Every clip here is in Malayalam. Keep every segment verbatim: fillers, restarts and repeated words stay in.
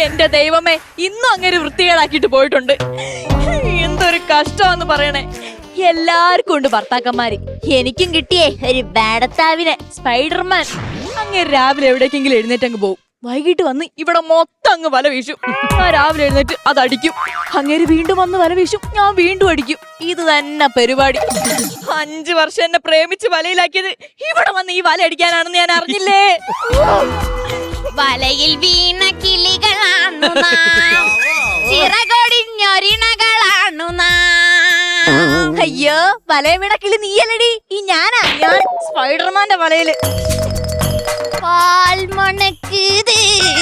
എന്റെ ദൈവമേ, ഇന്നും അങ്ങനെ വൃത്തികേടാക്കിട്ട് പോയിട്ടുണ്ട്. എന്തൊരു കഷ്ടമാന്ന് പറയണേ. എല്ലാവർക്കും ഉണ്ട് ഭർത്താക്കന്മാര്. എനിക്കും കിട്ടിയേ ഒരു ബാഡത്താവിനെ, സ്പൈഡർമാൻ. അങ്ങനെ രാവിലെ എവിടേക്കെങ്കിലും എഴുന്നേറ്റങ്ങ് പോകും. വൈകിട്ട് വന്ന് ഇവിടെ മൊത്തം അങ്ങ് വല വീശും. ഞാൻ രാവിലെ എഴുന്നേറ്റ് അതടിക്കും. അങ്ങേര് വീണ്ടും വന്ന് വല വീശും, ഞാൻ വീണ്ടും അടിക്കും. ഇത് തന്നെ പരിപാടി. അഞ്ചു വർഷം എന്നെ പ്രേമിച്ച് വലയിലാക്കിയത് ഇവിടെ വന്ന് ഈ വല അടിക്കാനാണെന്ന് ഞാൻ അറിഞ്ഞില്ലേ. വലയിൽ വീണ കിളികളാണു നാം, ചിറകൊടിഞ്ഞൊരിണകളാണു നാം. അയ്യോ, വലയ വീണ കിളി നീയല്ലടി, ഈ ഞാനാ. ഞാൻ സ്പൈഡർമാന്റെ വലയില്. പാൽ മണക്കുത്,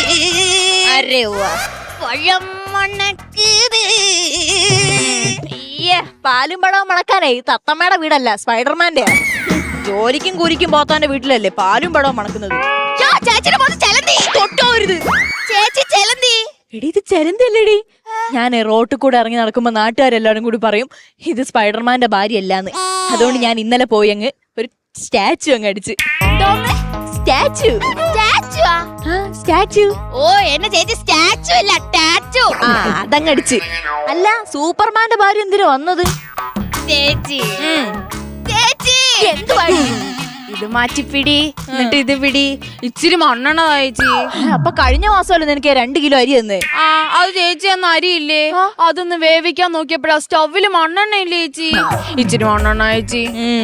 അരേ പഴം മണക്കുത്. അയ്യേ, പാലും പഴവും മണക്കാനേ തത്തമ്മയുടെ വീടല്ല, സ്പൈഡർമാന്റെ. ജോലിക്കും കൂലിക്കും പോത്താന്റെ വീട്ടിലല്ലേ പാലും പഴവും മണക്കുന്നത്. ചേച്ചിയുടെ മോന് ചെലന്തി തൊട്ടോരുത്. ചേച്ചി ചെലന്തി. എടി, ഇത് ചെലന്തല്ലേടി. ഞാൻ റോട്ടിൽ കൂടെ ഇറങ്ങി നടക്കുമ്പോ നാട്ടുകാരെല്ലാരും കൂടി പറയും ഇത് സ്പൈഡർമാന്റെ ഭാര്യ അല്ലാന്ന്. അതുകൊണ്ട് ഞാൻ ഇന്നലെ പോയി അങ്ങ് ഒരു സ്റ്റാച്ചു അങ്ങ് അടിച്ച്. സ്റ്റാച്ചു സ്റ്റാച്ചു ഓ, എന്നെ ചേച്ചി സ്റ്റാച്ചു അല്ല ടാച്ചു. ആ, അതങ്ങടിച്ച്. അല്ല, സൂപ്പർമാന്റെ ഭാര്യ എന്തിനാ വന്നത്? ചേച്ചി ചേച്ചി എന്തുവാടി? ഇത് മാറ്റിപ്പിടി, എന്നിട്ട് ഇത് പിടി. ഇച്ചിരി മണ്ണെണ്ണ ചേച്ചി. അപ്പൊ കഴിഞ്ഞ മാസമല്ലേ നിനക്ക് രണ്ട് കിലോ അരി തന്നേ? ആ, അത് ചേച്ചി അന്ന് അരിയില്ലേ, അതൊന്ന് വേവിക്കാൻ നോക്കിയപ്പോഴാ സ്റ്റൗവില് മണ്ണെണ്ണ ഇല്ലേ ചേച്ചി. ഇച്ചിരി മണ്ണെണ്ണ ചേച്ചി.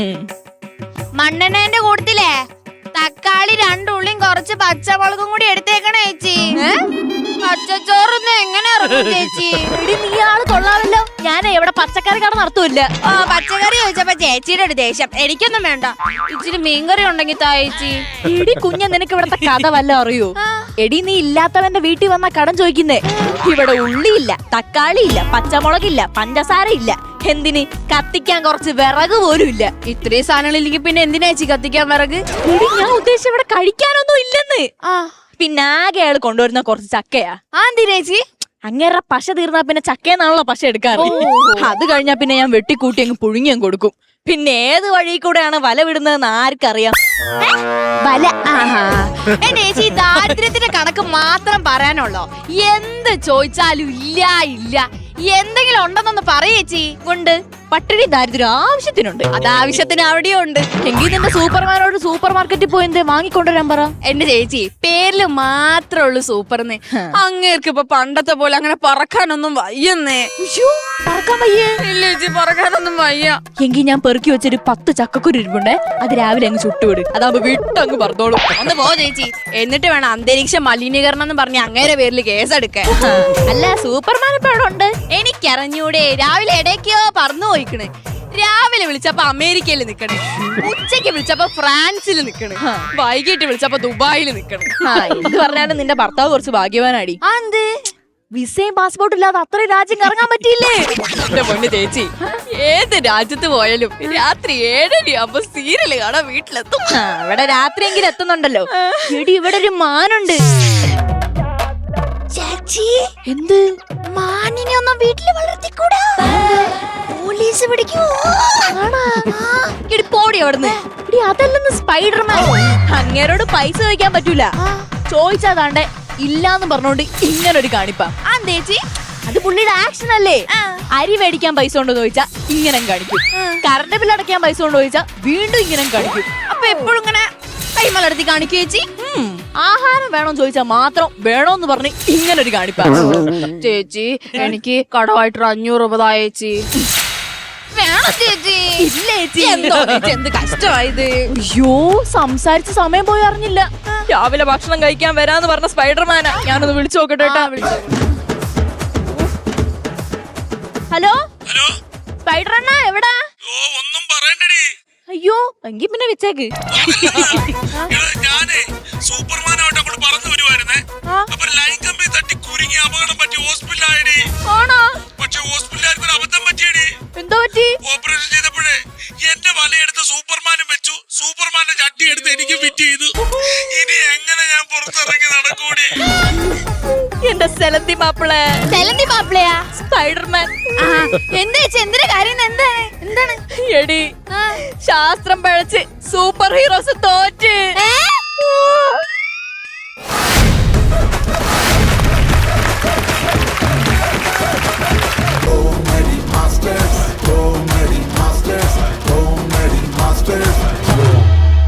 മണ്ണെണ്ണേന്റെ കൂട്ടത്തിലേ തക്കാളി രണ്ടുള്ളിയും കുറച്ച് പച്ചമുളകും കൂടി എടുത്തേക്കണേ ചേച്ചി. പച്ചച്ചോറൊന്നും എങ്ങനെ ഇറങ്ങും ചേച്ചി? നീ ആള് കൊള്ളാമല്ലോ. ഞാൻ എവിടെ പച്ചക്കറി കട നടത്തൂല്ല. ആ, പച്ചക്കറി ചോദിച്ചപ്പോ ചേച്ചിയുടെ ഒരു ദേഷ്യം. എനിക്കൊന്നും വേണ്ട, ഇച്ചിരി മീൻകറി ഉണ്ടെങ്കിൽ താ ചേച്ചി. എടി കുഞ്ഞ, നിനക്ക് ഇവിടത്തെ കഥ വല്ല അറിയോ? എടി, നീ ഇല്ലാത്തവന്റെ വീട്ടിൽ വന്ന കടം ചോദിക്കുന്നേ. ഇവിടെ ഉള്ളിയില്ല, തക്കാളി ഇല്ല, പച്ചമുളകില്ല, പഞ്ചസാര ഇല്ല. എന്തിന്? കത്തിക്കാൻ കുറച്ച് വിറക് പോലും ഇല്ല. ഇത്രയും സാധനങ്ങൾ ഇല്ലെങ്കിൽ പിന്നെ എന്തിനാ ചേച്ചി കത്തിക്കാൻ വിറക്? എടി, ഞാൻ ഉദ്ദേശിച്ച ഇവിടെ കഴിക്കാനൊന്നും ഇല്ലെന്ന്. ആ, പിന്നെ ആകെ അയാൾ കൊണ്ടുവരുന്ന കുറച്ച് ചക്കയാ. ആ, എന്തിനാ ചേച്ചി? അങ്ങേറെ പശ തീർന്നാ പിന്നെ ചക്കയെന്നാണല്ലോ പശ എടുക്കാറ്. അത് കഴിഞ്ഞാ പിന്നെ ഞാൻ വെട്ടിക്കൂട്ടി അങ്ങ് പുഴുങ്ങി അങ്ങ് കൊടുക്കും. പിന്നെ ഏത് വഴി കൂടെയാണ് വല വിടുന്നതെന്ന് ആർക്കറിയാം? വല. എന്റെ ചേച്ചി, ദാരിദ്ര്യത്തിന്റെ കണക്ക് മാത്രം പറയാനുള്ളോ? എന്ത് ചോദിച്ചാലും ഇല്ല ഇല്ല. എന്തെങ്കിലും ഉണ്ടെന്നൊന്ന് പറയേച്ചി. കൊണ്ട് പട്ടിണി ദാരിദ്ര്യം ആവശ്യത്തിനുണ്ട്. അത് ആവശ്യത്തിന് അവിടെയും ഉണ്ട്. എങ്കിൽ നിന്റെ സൂപ്പർമാനോട് സൂപ്പർ മാർക്കറ്റിൽ പോയി എന്തേ വാങ്ങിക്കൊണ്ടുവരാൻ പറ. എന്റെ ചേച്ചി, പേരില് മാത്രമേ ഉള്ളൂ സൂപ്പർന്ന്. അങ്ങേർക്ക് ഇപ്പൊ പണ്ടത്തെ പോലെ അങ്ങനെ പറക്കാനൊന്നും വയ്യന്നേ. പറക്കാൻ വയ്യേ? ഇല്ല ചേച്ചി, പറക്കാനൊന്നും വയ്യ. എങ്കിൽ ഞാൻ പെറുക്കി വെച്ചൊരു പത്ത് ചക്കക്കുരു ഇരിപ്പുണ്ടേ, അത് രാവിലെ അങ്ങ് ചുട്ടുവിട്. അതാകുമ്പോ വിട്ടങ്ങ് പറഞ്ഞോളൂ. ഒന്ന് പോ ചേച്ചി. എന്നിട്ട് വേണം അന്തരീക്ഷ മലിനീകരണം എന്ന് പറഞ്ഞ് അങ്ങേരെ പേരിൽ കേസെടുക്കാൻ. അല്ല, സൂപ്പർമാൻ ഇപ്പൊ അവിടെ ഉണ്ട്. എനിക്കറിഞ്ഞൂടെ, രാവിലെ ഇടയ്ക്കോ പറന്നു പോയിക്കണ്. രാവിലെ വിളിച്ചപ്പോ അമേരിക്കയിൽ നിക്കണേ, ഉച്ചക്ക് വിളിച്ചപ്പോ ഫ്രാൻസിൽ നിക്കണ്, വൈകിട്ട് വിളിച്ചപ്പോ ദുബായിൽ നിക്കണ്. എന്ത് പറഞ്ഞാലും നിന്റെ ഭർത്താവ് കുറച്ച് ഭാഗ്യവാനാടി. എന്ത്? വിസയും പാസ്പോർട്ടും ഇല്ലാതെ അത്രയും രാജ്യം കറങ്ങാൻ പറ്റിയില്ലേ? എന്റെ പൊന്ന് ചേച്ചി, ഏത് രാജ്യത്ത് പോയാലും രാത്രി ഏഴരയാകുമ്പോ സീരിയല് കാണാൻ വീട്ടിലെത്തും. അവിടെ രാത്രിയെങ്കിലും എത്തുന്നുണ്ടല്ലോ. എടി, ഇവിടെ ഒരു മാനുണ്ട്. ചേച്ചി, എന്ത്? മാനിനെ ഒന്നും വീട്ടില് വളർത്തിക്കൂടാ, പോലീസ് പിടിക്കൂ. എടി, പോടി അവിടുന്ന്. എടി, അതല്ലെന്ന് സ്പൈഡർമാൻ. അങ്ങേരോട് പൈസ ചോദിക്കാൻ പറ്റൂല. ചോദിച്ചാതാണ്ടെ ഇല്ലാന്ന് പറഞ്ഞോണ്ട് ഇങ്ങനൊരു കാണിപ്പാ. ആ ചേച്ചി, അത് പുള്ളിയുടെ ആക്ഷൻ അല്ലേ. അരി മേടിക്കാൻ പൈസ ഉണ്ടോ ചോദിച്ചാ ഇങ്ങനെ കാണിക്കും. കറണ്ട് ബില്ല് അടയ്ക്കാൻ പൈസ ഉണ്ടോ ചോദിച്ചാ വീണ്ടും ഇങ്ങനെ കാണിക്കും. അപ്പൊ എപ്പോഴും ഇങ്ങനെ കൈമലർത്തി കാണിക്കൂ ചേച്ചി. ആഹാരം വേണോന്ന് ചോദിച്ചാ മാത്രം വേണോന്ന് പറഞ്ഞ് ഇങ്ങനൊരു കാണിപ്പാ. ചേച്ചി, എനിക്ക് കടമായിട്ടൊരു അഞ്ഞൂറ് രൂപ താ ചേച്ചി. വേണം ചേച്ചി. ഇല്ല ചേച്ചി. എന്തോ എന്ത് കഷ്ടമായത്. അയ്യോ, സംസാരിച്ച സമയം പോയി അറിഞ്ഞില്ല. രാവിലെ ഭക്ഷണം കഴിക്കാൻ വരാന്ന് പറഞ്ഞ സ്പൈഡർമാനാ. ഞാനൊന്ന് വിളിച്ചു നോക്കട്ടെ കേട്ടാ. ഹലോ ഹലോ, സ്പൈഡർ അണ്ണാ, എവിടാ? ഓ ഒന്നും പറയണ്ടടി. അയ്യോ, എങ്കി പിന്നെ വെച്ചേക്ക്. ഞാനേ സൂപ്പർമാനായിട്ട് അങ്ങോട്ട് പറന്നു വരുവായിരുന്നേ. അപ്പൊ ലൈൻ കമ്പി തട്ടി കുരുങ്ങി അപകടം പറ്റി ഹോസ്പിറ്റലായടി. ആണോ? പക്ഷെ ഹോസ്പിറ്റലായിരുന്നു അബദ്ധം പറ്റിയടി. എന്തോ പറ്റി? ഓപ്പറേഷൻ ചെയ്തപ്പോഴേ എന്റെ വലയെടുത്ത് സൂപ്പർമാനും വെച്ചു, സൂപ്പർമാന്റെ ചട്ടി എടുത്ത് എനിക്ക് ഫിറ്റ് ചെയ്തു. ഇനി എങ്ങനെ ഞാൻ പുറത്തിറങ്ങി നടക്കൂടി? എന്റെ സെലന്തി മാപ്പിളെ. സെലന്തി മാപ്പിളയാ? സ്പൈഡർമാൻ. എന്താ ചേച്ചി, എന്തിന്റെ കാര്യം? എന്താണ് എന്താണ്? എടി, ശാസ്ത്രം പഴച്ച് സൂപ്പർ ഹീറോസ് തോറ്റ്.